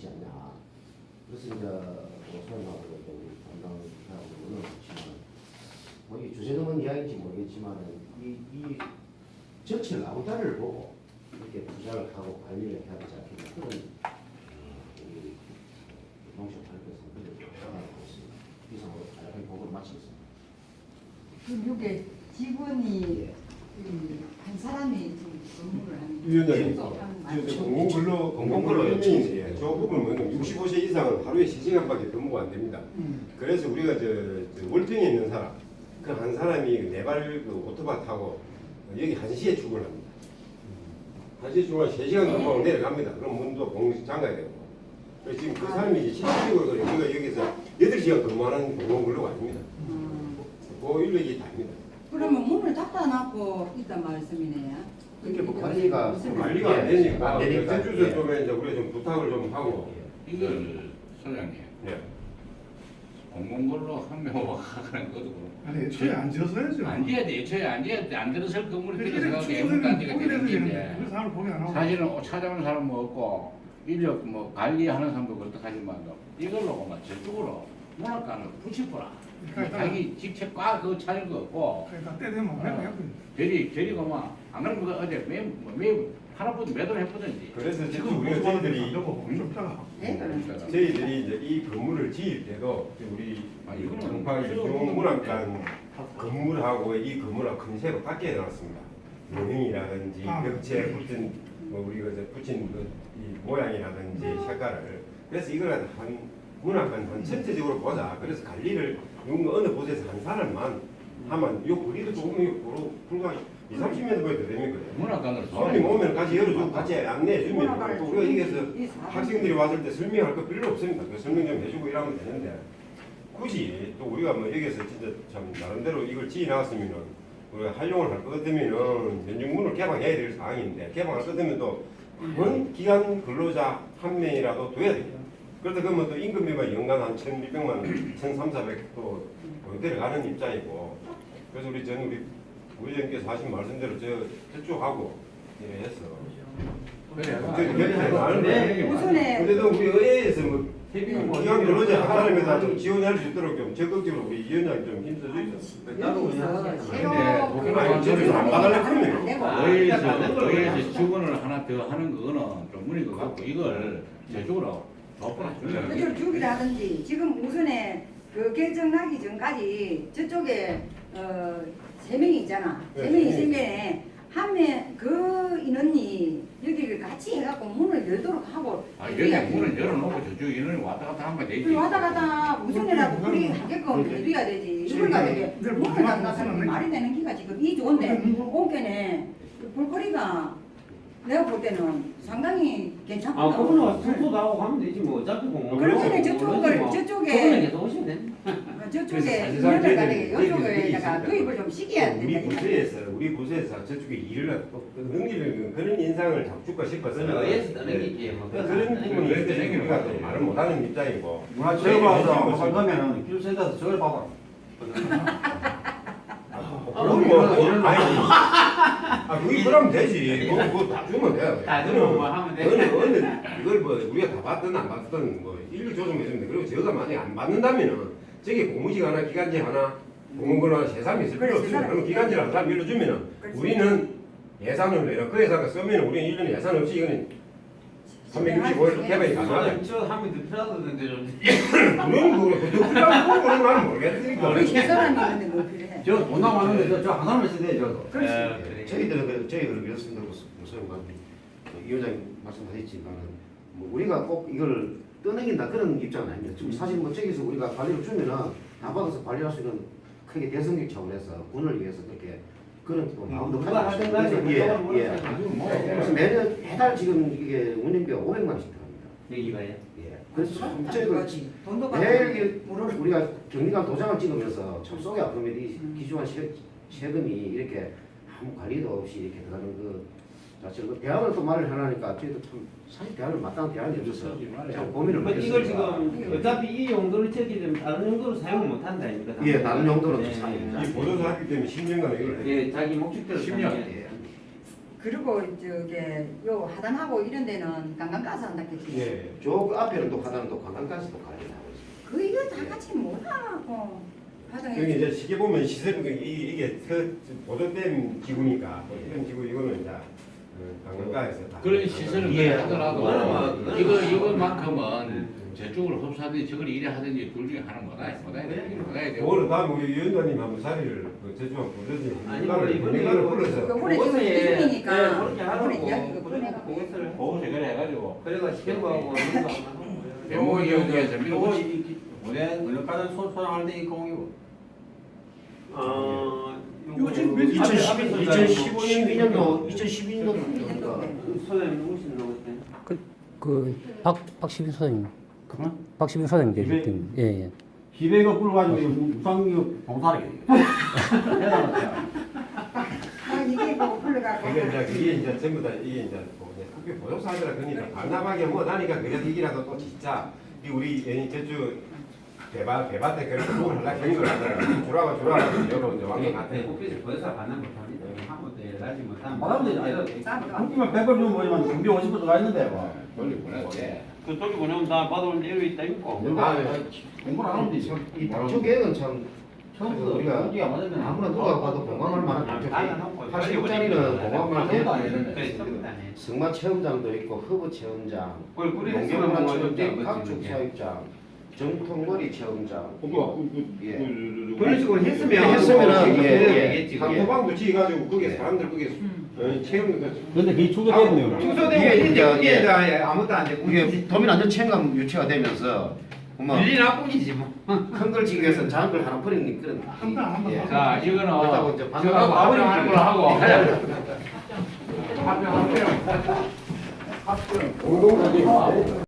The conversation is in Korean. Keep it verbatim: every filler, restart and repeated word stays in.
있지 않냐. 그래서 이제 소연하고 우리 담당하고 오늘 보시면 뭐 이게 주제넘은 이야기인지 모르겠지만 이, 이 전체 라우다를 보고 이렇게 투자를 하고 관리를 해야 되지 않겠냐 그런 우리 농식발표에서 그런 생각하고 있습니다. 이상으로 간략하게 보고를 마치겠습니다. 그럼 이게 직원이 예. 한 사람이 지금 근무를 하는 위원장님, 거죠? 공공근로 공공근로요. 예, 저 부분은 육십오 세 이상은 하루에 세 시간밖에 근무가 안 됩니다. 음. 그래서 우리가 저, 저 월등에 있는 사람, 그 한 사람이 네발 그 오토바 타고 여기 한 시에 출근합니다. 한 시에 출근하면 세 시간 근무하고 내려갑니다. 그럼 문도 공식 잠가야 되고. 그래서 지금 그 사람이 이제 실질적으로 우리가 여기서 여덟 시간 근무하는 공공근로가 아닙니다. 음. 그 인력이 다입니다. 그러면 문을 닫아놓고 있단 말씀이네요. 그게 뭐 관리가 무슨 관리가 안 되니까, 안 되니까. 제주도 예. 쪽에 이제 우리가 좀 부탁을 좀 하고. 이걸 소장님 네. 공공근로 한 명 하는 것도 그렇고 아니 애초에 안 지었어야죠. 안 지어야 돼. 애초에 안 지어야 돼. 안 들어설 건물이 그래, 들어서가고 추수되면 애물단지가 포기해서 되는 되는데 건데 그 사람을 포기 안 하고. 사실은 찾아오는 사람은 없고 인력 뭐 관리하는 사람도 그렇다하지만 이걸로 막 저쪽으로 문학관을 붙이거라. 그러니까 자기 직책 꽉 그거 찾을 거 없고 그러니까 때 되면 그냥 해야 돼. 저리 저리가 막안 그러면 그 어제 매매 하나부터 매도를 해보든지. 그래서 지금 지금 우리가 저희들이 좀 있다가 네, 그러니까. 저희들이 이제 이 건물을 지을 때도 우리 아, 이거는 정파 유종 문학관 건물하고 이 건물하고 큰 새로 밖에 해놨습니다. 모형이라든지 아. 벽체에 붙인 뭐 우리가 이제 붙인 그 이 모양이라든지 색깔을 그래서 이걸 한 문학관 한 전체적으로 보자. 그래서 관리를 이런 어느 곳에서 한 사람만 하면 요 거리도 조금 요 불과 이삼십 미터 거리 더 됩니까? 문학관으로 손님 오면 같이 열어주고 같이 안내해 주면 문학관을 또 우리가 여기서 이 사람이- 학생들이 왔을 때 설명할 거 필요 없습니다. 그 설명 좀 해주고 이러면 되는데 굳이 또 우리가 뭐 여기서 진짜 참 나름대로 이걸 지어 나왔으면은 우리가 활용을 할 것 같으면은 연중문을 개방해야 될 상황인데 개방할 것 같으면 또 그런 기간 근로자 한 명이라도 둬야 됩니다. 그러다 그러면 또 임금비만 연간 한 천이백만 원, 천삼사백 또 데려가는 입장이고 그래서 우리 전 우리 부회장님께서 하신 말씀대로 저 저쪽하고 예, 해서 그래. 우선에 그래도 우리 의회에서 뭐 기왕 근로자 한 사람에다 좀 지원할 수 있도록 좀 적극적으로 우리 위원장 좀 힘써주죠. 여기서 새로 근데 그- 아니, 저기서 안 받을래 그러면. 안 되고. 의회에서 의회에서 직원을 하나 더 하는 거는 좀 무리인 것 같고 이걸 저쪽으로 덮어놔 주면 그대로 주기라든지 지금 우선에 그 결정 나기 전까지 저쪽에 어, 세 명이 있잖아. 네, 세 명이 세 있으면 명이 한명그 인원이 여기를 같이 해갖고 문을 열도록 하고 아 여기 문을 열어놓고 저쪽 인원이 왔다 갔다 하면 되지. 우리 왔다 갔다 우선이라도 우리 하게끔 해줘야 되지. 이걸 가지고 문을 닫아서 말이 되는 기가 지금 이 좋은데 온게네 볼거리가 내가 볼 때는 상당히 괜찮거든. 아, 그거는 와서 청소도 하고 가면 되지 뭐 어차피 공무원. 그러면은 저쪽을 저쪽에 저번에 계속 오시면 돼. 저쪽에 사실상 인원을 저희들이- 가지고 저희들이 이쪽에다가 있습니다. 도입을 좀 시켜야 우리 된다. 부서에서 우리 부서에서 저쪽에 일을 또 능리를 그런 인상을 잡줄까 싶어서 그래서 의회에서 떠넘기지 뭐. 그런 부분이 왜 있어서 떠넘기는 우리가 거야? 또 말을 못하는 입장이고 문화체육 와서 할 거면은 교육센터에서 저걸 봐봐. 그럼 뭐 아니 아 그게 그러면 되지 뭐 그거 다 주면 돼 다 주면 뭐 하면 돼. 어느 어느 이걸 뭐 우리가 다 받든 안 받든 뭐 일률 조정해주면 돼 그리고 저가 만약에 안 받는다면은 저게 고무직 하나 기간제 하나 공무원 하나 세 사람이 있을 필요 그래, 세 없어요 사람이 그럼 기간제를 한 사람 일러주면은 그렇지. 우리는 예산을 내라 그 예산을 쓰면 우리는 일 년에 예산 없이 이거는 삼백육십오 일 개발이 가능하다 저 하면 더 필요하던데 좀. 그런 거를 그 필요한 거는 나는 모르겠으니까 우리 세 사람이 있는데 뭐 필요해? 저돈 남았는데 저한 사람 있어야 돼 저도. 그렇지. 예, 저희들은 그- 저희들은 그렇습니다. 무슨 뭐 이 위원장님 말씀하셨지만은 뭐 우리가 꼭 이걸 떠넘긴다 그런 입장은 아닙니다. 지금 사실 뭐 저기서 우리가 관리를 주면은 다 받아서 관리할 수 있는 크게 대성격 차원에서 군을 위해서 그렇게 그런 또 마음도 누가 가지고 하든 간에 있습니다. 예, 그쪽은 예. 뭐 그래서 매년 해달 지금 이게 운영비가 오백만 원씩 들어갑니다. 여기가요. 예. 그래서 참 돈 저희들 받지. 돈도 매일 받고. 이게 물을 우리가 경리관 도장을 찍으면서 참 속이 아픕니다. 이 음. 기중한 세, 세금이 이렇게 아무 관리도 없이 이렇게 들어가는 그 자체로 그 대안을 또 말을 해놔니까 저희도 참 사실 대안을 마땅한 대안이 없어서 참 고민을 뭐 많이 이걸 했습니다. 지금 어차피 이 용도를 채기 되면 다른 용도로 사용을 못 한다니까. 예, 다른 용도로 네. 사용합니다. 이 보도사 하기 때문에 십 년간 이걸 예, 자기 목적대로 십 년. 사용해야 예. 그리고 저게 요 하단하고 이런 데는 관광가스 한다 했지. 예. 저 앞에는 또 하나는 또 관광가스도 관리를 하고 있습니다. 그 이거 다 같이 못하고 여기 화장해. 이제 시계 보면 시설 이 이게 보조댐 지구니까 보조댐 지구 이거는 이제 어, 관광가에서 다 그런 시설을 예. 하더라도 그거는 뭐- 이거 이것만큼은 저쪽으로 흡수하든지 저걸 이래 하든지 둘 중에 하는 거다. 못해야 돼. 못해야 돼. 오늘 다음 우리 위원장님 한번 자리를 그 제주한 부르지 아니, 민간을 이번에 민간을 이거- 불러서 요번에 지금 그것에- 기준이니까 예, 그렇게 요번에 하라고. 이야기가 꺼내갖고 그것을 보고서 그래 해가지고 그래가 시켜보고 배모 이용해서 이거 밀어붙이. 이- 이- 원래 원래까지 소- 소장할 때 이 공이고. 어 요즘 몇- 이천십이 년도 이천십이 년도 그러니까 소장님 무슨 나오세요? 그박 박시빈 소장님, 그만? 박시빈 소장님 이게- 계실 때, 예, 예. 기백을 불러가지고 무상기 봉사하게. 대단하다. 아 이게 뭐 불러갖고 이게 이제 이게 이제 전부 다 이게 이제 뭐 이제 학교 보조사들라 그러니까 반납하게 뭐 나니까 그래도 이기라도 또 진짜 이 우리 애니 제주 대바 대밭에 그렇게 부분을 하려 경유를 하더라 주라고 주라고 여러 이제 왕년 같아. 오피스 보여서 받는 못합니다. 한 번도 일하지 못하면 받아면 되지. 웃기면 백을 주면 뭐지만 준비 오십 분 들어가 있는데 뭐. 멀리 보냈대. 그쪽에 보내면 다 받아오는데 여기 있다 있고. 아, 공부를 안 하면 되지. 이 당초 계획은 참 처음부터 우리가 우리가 맞으면 아무나 누가 봐도 공감할 만한 당초 계획. 팔십육짜리는 공감할 처음도 안 계획. 했는데. 승마 체험장도 있고 허브 체험장, 그걸 뿌리를 농경문화 쓰면 체험장, 뭐 각축 사육장, 정통머리 체험장. 예. 그런 식으로 했으면 했으면은, 예, 예. 되겠지. 한도방도 지어가지고 거기에 사람들 거기에 어, 체험 근데 그게 축소됐네요. 축소되고 이게 이제, 이게 예. 이제 아무것도 안 되고 이게 도민안전체험관 유치가 되면서 뭐 밀리 나뿐이지 뭐. 큰걸 지기 위해서 작은 걸 하나 버리는 그런. 한다, 한다. 예. 자, 이거는 그렇다고 이제 저거 반납하고 합병하는 걸로 하고. 합병. 합병, 합병. 합병.